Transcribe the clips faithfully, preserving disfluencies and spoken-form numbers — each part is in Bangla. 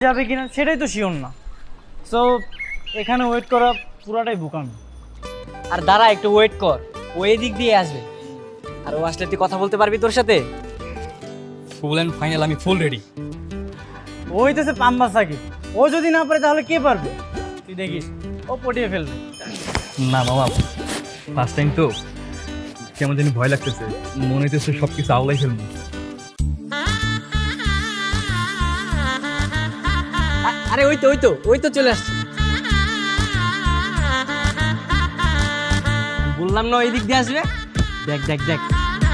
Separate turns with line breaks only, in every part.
যাবে কিনা সেটাই তো শিওর না। সো এখানে ওয়েট করা পুরাটাই বোকামি।
আর দাঁড়া একটু ওয়েট কর, ও এদিক দিয়ে আসবে। আর ও আসলে তুই কথা বলতে পারবি তোর সাথে?
ফুল অ্যান্ড ফাইনাল, আমি ফুল রেডি।
ও হইতেছে পাম্বা সাকিব, ও যদি না পারে তাহলে কে পারবে? তুই দেখিস ও পটিয়ে ফেলবে।
না মামা, ফার্স্ট টাইম তো কেমন জানি ভয় লাগতেছে, মনে হইতেছে সব কিছু আওলাই ফেলবো।
আ- আরে ওই তো ওই তো ওই তো চলে আসছে। বললাম না ওই দিক দিয়ে আসবে। দেখ দেখ দেখ,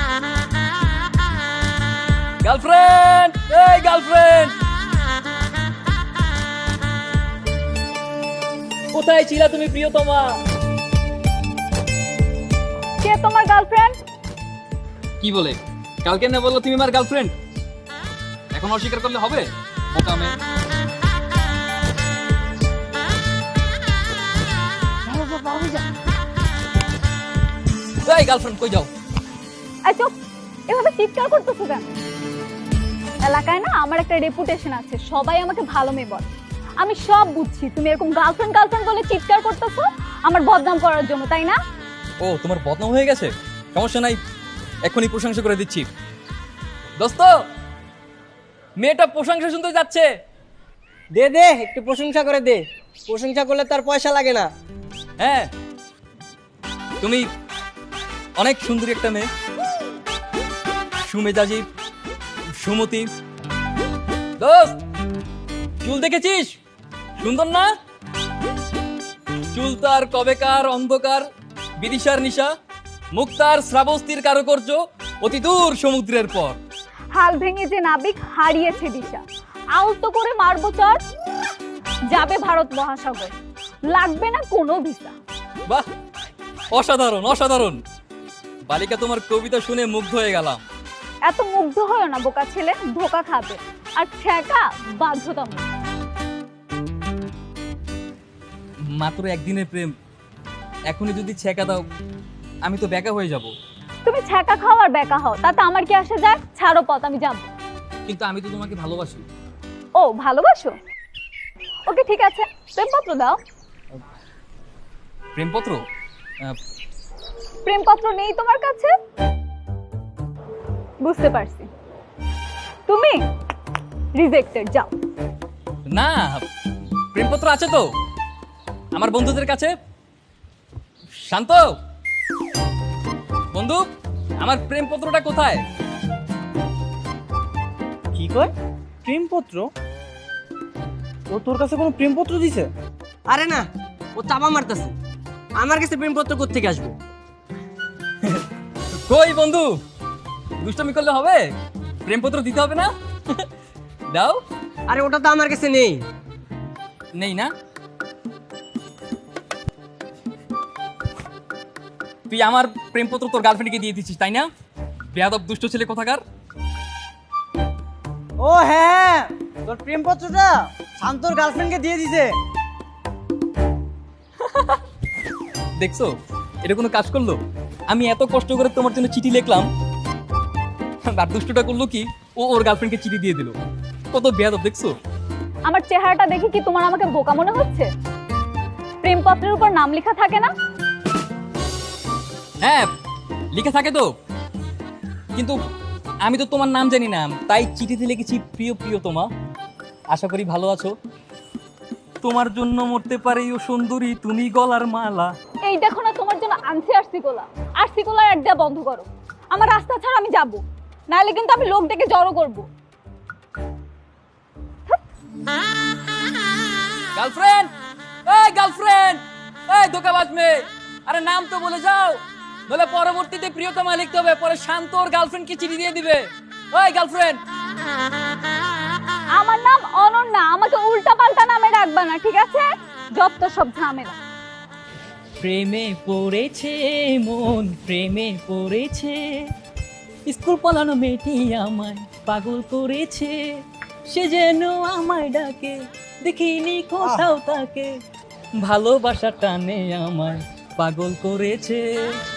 গার্লফ্রেন্ড, এই গার্লফ্রেন্ড, কোথায় ছিলা তুমি প্রিয়তমা?
কে তোমার গার্লফ্রেন্ড?
কি বলে কালকে না বললো তুমি আমার গার্লফ্রেন্ড, এখন অস্বীকার করলে হবে? বোকা মেয়ে। এই গার্লফ্রেন্ড কই যাও?
এই চুপ, এভাবে চিৎকার করতেছো কেন? এলাকায় না আমার একটা রেপুটেশন আছে, সবাই আমাকে ভালো মেয়ে বলে। আমি সব বুঝছি, তুমি এরকম গার্লফ্রেন্ড গার্লফ্রেন্ড বলে চিৎকার করতেছো আমার বদনাম করার জন্য, তাই না?
ও তোমার বদনাম হয়ে গেছে, সমস্যা নাই, এখনই প্রশংসা করে দিচ্ছি। দোস্ত, মেয়েটা প্রশংসা শুনতে যাচ্ছে।
দে দে একটু প্রশংসা করে দে, প্রশংসা করলে তার পয়সা লাগে না।
হ্যাঁ, তুমি অনেক সুন্দরী একটা মেয়ে, সুমেজাজি, সুমতি। দোস্ত, চুল দেখেছিস? সুন্দর না? চুল তার কবেকার অন্ধকার বিদিশার নিশা, মুখ তার শ্রাবস্তির কারুকার্য অতি দূর সমুদ্রের পর।
হাল ভেঙে যে নাবিক হারিয়েছে দিশা, আলতো করে মারবো চর, যাবে ভারত মহাসাগর, লাগবে না কোনো ভিসা।
বাহ, অসাধারণ অসাধারণ। বালিকা, তোমার কবিতা শুনে মুগ্ধ হয়ে গেলাম।
এত মুগ্ধ হয় না বোকা ছেলে, ধোকা খাবে আর ছেঁকা বাধ্যতামূলক।
মাত্র একদিনের প্রেম, এখনই যদি ছেঁকা দাও আমি তো বেকা হয়ে যাব।
তুমি ছেঁকা খাও আর বেকা হও, তাতে আমার কি আসে যায়? ছাড়ো পথ, আমি যাবো।
কিন্তু আমি তো তোমাকে ভালোবাসি।
ও ভালোবাসো? ওকে ঠিক আছে, প্রেমপত্র দাও।
প্রেমপত্র? আহ,
প্রেমপত্র নেই তোমার কাছে? বুঝতে পারছি, তুমি রিজেক্টেড, যাও।
না, প্রেমপত্র আছে তো আমার বন্ধুদের কাছে। শান্ত বন্ধু, আমার প্রেমপত্রটা কোথায়?
কি কয়? প্রেমপত্র? ও তোর কাছে কোনো প্রেমপত্র দিছে?
আরে না, ও চাপা মারতেছে। আমার কাছে প্রেমপত্র কোত্থেকে আসবে?
কই বন্ধু, দুষ্টামি করলে হবে? প্রেমপত্র দিতে হবে না? দাও।
আরে ওটা তো আমার কাছে নেই।
নেই না? তুই আমার প্রেমপত্র তোর গার্লফ্রেন্ডকে দিয়ে দিচ্ছিস তাই না? বেয়াদব দুষ্ট ছেলে কোথাকার।
ও হ্যাঁ, তোর প্রেমপত্রটা শান্তর গার্লফ্রেন্ডকে দিয়ে দিছে।
দেখছো, এটা কোনো কাজ করলো? আমি এত কষ্ট করে তোমার জন্য চিঠি লিখলাম, আর দুষ্টটা করলো কি, ও ওর গার্লফ্রেন্ডকে চিঠি দিয়ে দিল। কত বেয়াদব দেখছো?
আমার চেহারাটা দেখে কি তোমার আমাকে বোকা মনে হচ্ছে? প্রেমপত্রের উপর নাম লেখা থাকে না?
হ্যাঁ, লিখে থাকে তো, কিন্তু আমি তো তোমার নাম জানি না, তাই চিঠিতে লিখেছি প্রিয় প্রিয়তমা, আশা করি ভালো আছো। তোমার জন্য মরতে পারি ও সুন্দরী তুমি গলার মালা।
এই দেখো না, তোমার জন্য আনছি আরসিকোলা। আরসিকোলা আড্ডা বন্ধ করো, আমার রাস্তা ছাড়া আমি যাব, নাহলে কিন্তু আমি লোক ডেকে জড়ো করব।
গার্লফ্রেন্ড, এই গার্লফ্রেন্ড, এই ধোঁকাবাজ মেয়ে, আরে নাম তো বলে যাও, নলে পরবর্তীতে প্রিয়তমা লিখতে হবে, পরে শান্ত ওর গার্লফ্রেন্ডকে চিঠি দিয়ে দিবে। ওই গার্লফ্রেন্ড।
আমার নাম অনন্যা, আমাকে উল্টা পাল্টা নামে ডাকবা না, ঠিক আছে? যত সব ঝামেলা।
প্রেমে পড়েছে মন, প্রেমে পড়েছে, স্কুল পালানো মেয়েটি আমায় পাগল করেছে, সে যেন আমায় ডাকে, দেখিনি কোথাও তাকে, ভালোবাসা টানে আমায় পাগল করেছে।